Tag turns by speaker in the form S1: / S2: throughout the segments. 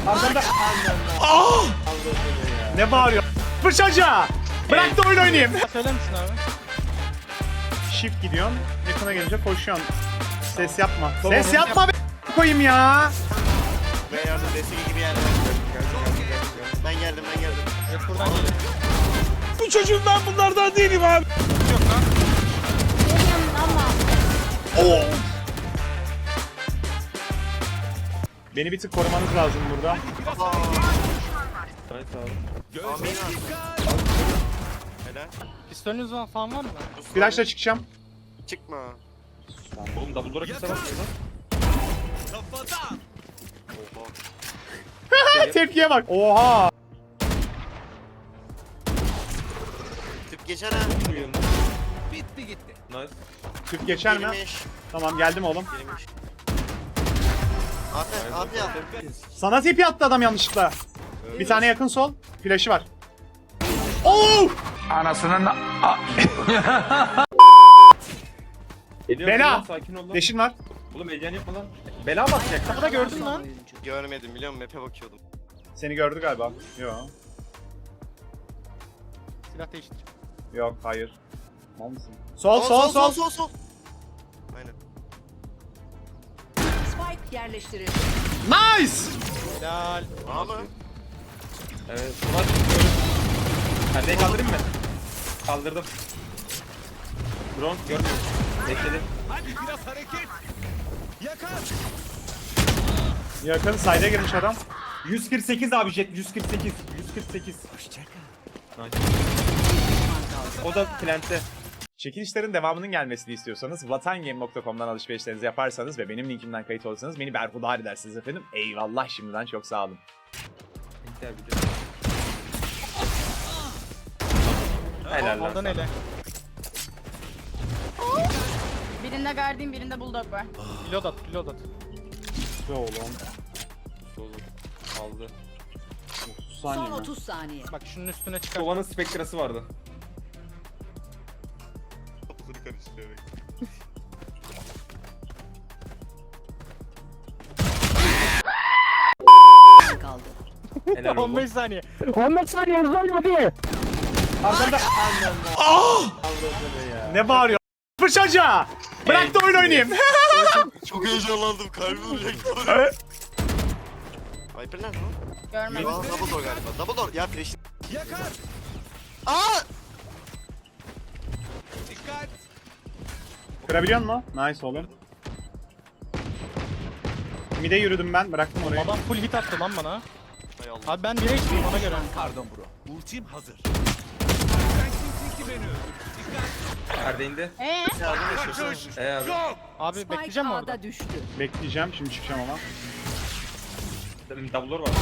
S1: Arkamda. Ne bağırıyor? Fırçaca! Bırak da oyun oynayayım.
S2: Söyler misin abi?
S1: Shift gidiyorsun. Yakına gelince koşuyorsun. Ses yapma. Ses yapma be koyayım ya.
S3: Ben yardım destek gibi yerden. Ben geldim.
S2: Yok buradan geliyor.
S1: Bu çocuğum ben bunlardan değilim abi.
S2: Yok lan.
S1: Oo. Beni bir tık korumanız lazım burada.
S3: Amin abi. Helal.
S2: Pistolünüz falan var mı?
S1: Flash'la çıkacağım.
S3: Çıkma.
S4: Oğlum double door'a kimse bakmıyor lan.
S3: Oha.
S1: Tepkiye bak. Oha.
S3: Tüp geçer ha.
S4: Bitti gitti. Nice.
S1: Tüp geçer mi?
S3: Girmiş.
S1: Tamam geldim oğlum.
S3: Girmiş. Abi ya.
S1: Sana tipi attı adam yanlışlıkla. Bir tane yakın sol. Flash'ı var. Oo!
S4: Geliyor,
S1: Bela!
S4: geliyor, sakin ol lan.
S1: Leşin var.
S4: Oğlum heyecan yapma lan. Bela basacak.
S2: Kapıda gördün lan.
S3: Görmedim biliyor musun? Map'e bakıyordum.
S1: Seni gördü galiba. Yok.
S2: Silah değiştir.
S1: Yok hayır. Mal mısın? Sol.
S3: Sol. Aynen.
S5: Spike yerleştirildi.
S1: Nice!
S2: Helal.
S3: Ama
S4: Evet. Ulan çıkıyorum. Perdeyi kaldırayım mı? Kaldırdım. Drone görmüyor. Bekledim.
S1: Yakın side'e girmiş adam.
S4: 148 abi jet 148. 148. Nice. O da plante.
S1: Çekilişlerin devamının gelmesini istiyorsanız vatangame.com'dan alışverişlerinizi yaparsanız ve benim linkimden kayıt olursanız beni berhudar edersiniz efendim. Eyvallah şimdiden çok sağ olun.
S4: Biter video. Helal lan.
S2: Ondan
S4: sana.
S2: hele.
S5: Birinde Guardian, birinde Bulldog var.
S2: Reload at.
S1: Be oğlum.
S4: Oğlum, aldı.
S1: 30
S5: Son
S1: saniye mi?
S5: 30 saniye.
S2: Bak şunun üstüne çıkar.
S4: Sova'nın spektrası vardı.
S3: kafasını karıştırıyor.
S5: Kaldı.
S4: Helal oğlum.
S2: 15 saniye.
S1: Arkamda. Ne bağırıyor? Fırçaca! Bırak da oyun oynayayım.
S3: Çok heyecanlandım. Kalbim duracak. Viper nerede lan?
S5: Görmedim.
S3: Aa, double door galiba. Double door. Ya flash. Yakar. Aa!
S1: Kırabiliyor musun? Nice oğlum. Mid'e yürüdüm ben. Bıraktım orayı.
S2: Adam full hit attı lan bana.
S3: Hay Allah.
S2: Abi ben 1'e içtim ona göre.
S4: Perde indi.
S3: Yardım yaşıyorsun.
S4: Abi.
S2: Abi
S5: Spike
S2: bekleyeceğim mi orada?
S5: A'da düştü.
S1: Bekleyeceğim. Şimdi çıkacağım ama.
S4: Double door var.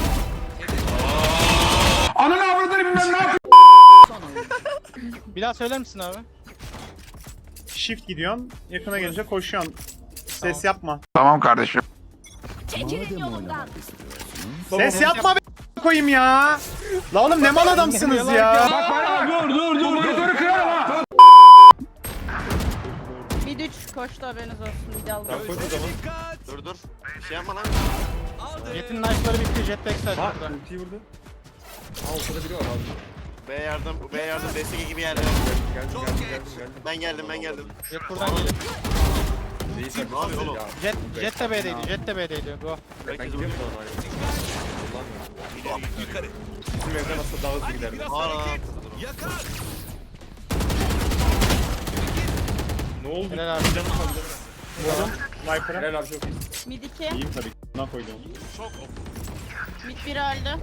S5: Son oyun.
S2: Bir daha söyler misin abi?
S1: Shift gidiyorsun. Yakına gelince koşuyorsun. Ses yapma.
S5: Çekilin yolumdan.
S1: Ses yapma be koyayım ya. La oğlum ne mal adamsınız ya.
S5: Mid 3 koştu haberiniz olsun. Mid aldı.
S4: Tamam koy o zaman.
S3: Dur. Bir şey yapma lan.
S2: Jet'in knife'ları bitti. Jet backside
S4: Ha
S2: burada.
S4: ultiyi vurdu. Aa ortada biri var abi.
S3: B yardım destek gibi yerden.
S4: Geldim.
S3: Ben geldim.
S2: Jet buradan geliyor.
S4: Reis
S3: Ne yapıyor oğlum?
S2: Jet de B'deydi. Jet de B'deydi. Go.
S4: Ben gidiyorum sonra. Allah'ım ya. Bizim evden aslında daha hızlı giderdi.
S3: Aa.
S4: Ne oldu?
S2: Helal abi.
S1: Vurdum. Viper'a.
S4: Helal abi çok iyi.
S5: Mid 2.
S1: İyiyim tabii. Buna koydum.
S5: Mid 1 öldü.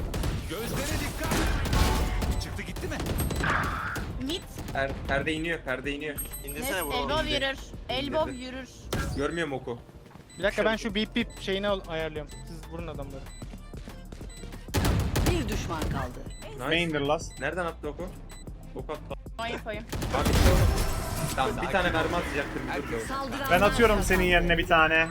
S5: Mid.
S4: Perde iniyor.
S3: İndirsene
S5: Nest
S3: bu.
S5: elbow yürür. Elbow yürür.
S4: Görmüyor mu oku?
S2: Bir dakika ben şu beep beep şeyini ayarlıyorum. Siz vurun adamları.
S5: Bir düşman kaldı.
S4: Nice.
S1: Main'dir last.
S4: Nereden attı oku? Ok attı.
S5: Oyun koyayım.
S4: Abi işte oğlum. Tamam bir tane mermi atacaktır. Bir dur.
S5: Saldıranlar
S1: Ben atıyorum
S5: kazandı.
S1: senin yerine bir tane.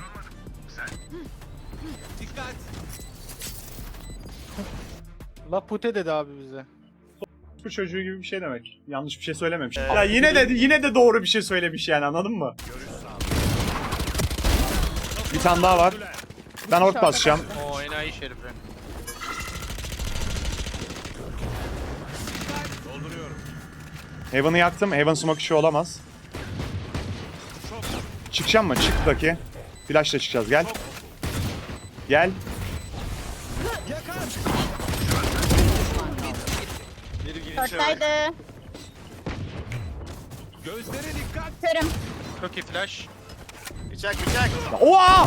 S2: La pute dedi abi bize.
S1: Bu çocuğu gibi bir şey demek. Yanlış bir şey söylememiş. Ya yine de doğru bir şey söylemiş yani anladın mı? Bir tane daha var. Ben ork basacağım.
S2: Oo enayi şerifi.
S1: Heaven'ı yaktım. Heaven smoke işi olamaz. Çıkacağım mı? Çıktaki. Flash'la çıkacağız. Gel. Gel.
S4: Biri girince
S5: Short'taydı. Körüm.
S2: Çok iyi flash.
S3: Bıçak bıçak.
S1: Oha!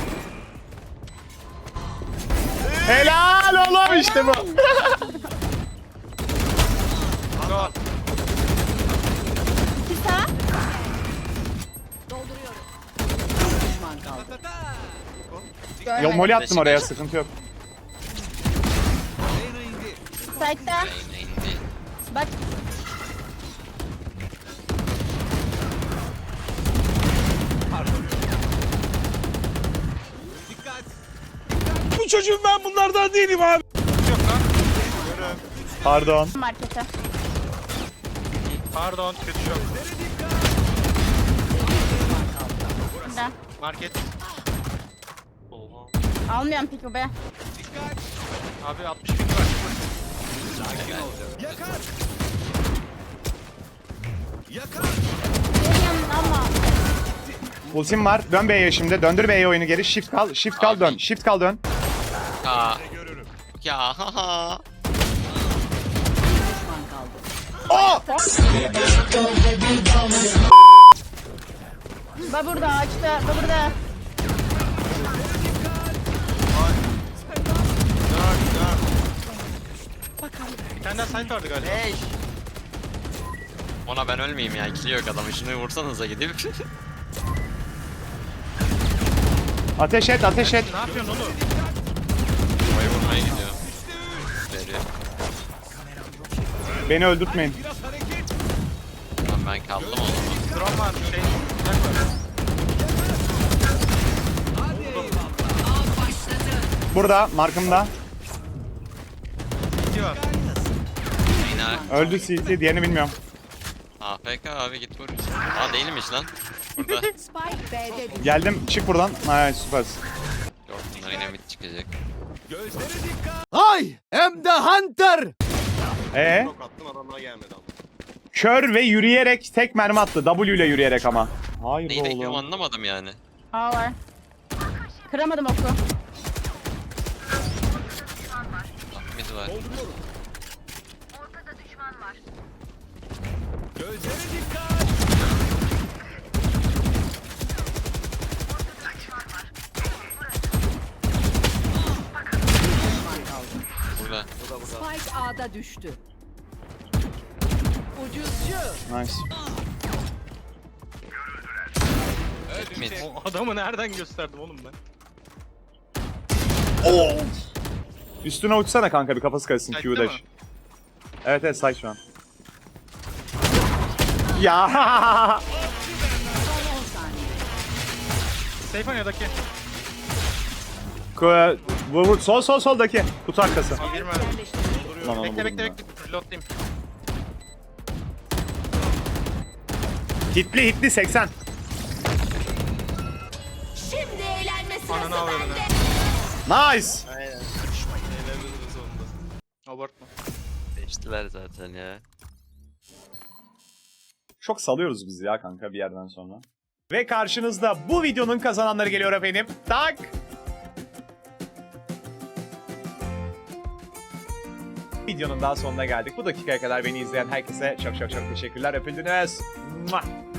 S1: Helal oğlum işte bu.
S2: Go.
S5: Kısa.
S6: Düşman kaldı.
S1: Yo
S5: Görmedim.
S1: molly attım oraya, sıkıntı yok.
S5: Side'da. Bak.
S1: Bu çocuğum, ben bunlardan değilim abi.
S2: Yok lan.
S1: Pardon.
S5: Markete.
S2: Pardon kötü şok.
S5: Burada.
S2: Market.
S5: Almıyorum pick bu be.
S2: Abi 60 bin var.
S5: Geliyorum ama.
S1: Ultim var. Dön B'ye şimdi. Döndür B'ye oyunu geri. Shift kal. Shift kal dön. Shift kal dön.
S7: Aa. Ya haha.
S6: Düşman kaldı.
S5: Ba burada ağaçta. Ba burada.
S2: Bir tane daha site vardı galiba.
S3: Hey.
S7: Ona ben ölmeyeyim ya. İkili yok adam. Şunu vursanıza gidip.
S1: Ateş et, ateş et.
S2: Ne yapıyorsun oğlum?
S7: Havayı vurmaya gidiyor. Veriyor.
S1: Beni öldürtmeyin.
S7: Lan ben kaldım o zaman.
S2: Drone var şey. Flash var.
S1: Burada, markımda.
S2: İki var.
S7: Yine
S1: Öldü CT, diğerini bilmiyorum.
S7: AFK abi git vur. Aa değilmiş lan. Burada.
S6: Spike B'de düştü.
S1: Geldim, çık buradan. Ay süpersin.
S7: Yok bunlar yine mid çıkacak.
S3: Çok attım adamlar gelmedi ama.
S1: Kör ve yürüyerek tek mermi attı. W ile yürüyerek ama. Hayır
S7: Neyi
S1: be
S7: bekliyorum
S1: oğlum.
S7: anlamadım yani.
S5: A var. Kıramadım oku.
S7: Ah, mid var. Burada.
S6: Spike A'da düştü. Ucuzcu.
S1: Nice.
S7: Mid.
S2: O adamı nereden gösterdim oğlum ben?
S1: Üstüne uçsana kanka, bir kafası karışsın.
S2: Site'de
S1: Q dash.
S2: mi?
S1: Evet evet, site şu an. Ya.
S6: 10 saniye.
S2: Stefania'daki.
S1: Vur, soldaki. Kutu arkası.
S2: Bir mi?
S1: Lan onu
S2: Bekle
S1: buldum
S2: bekle
S1: ya.
S2: bekle. Reloadlayayım.
S1: Hitli 80.
S5: Şimdi eğlenme
S2: Ananı avradını.
S1: Nice.
S3: Aynen. Eğlenmenin sonunda.
S2: Abartma.
S7: Değiştiler zaten ya.
S1: Çok salıyoruz biz ya kanka bir yerden sonra. Ve karşınızda bu videonun kazananları geliyor efendim. Tak. Videonun daha sonuna geldik. Bu dakikaya kadar beni izleyen herkese çok çok çok teşekkürler. Öpüldünüz. Mua.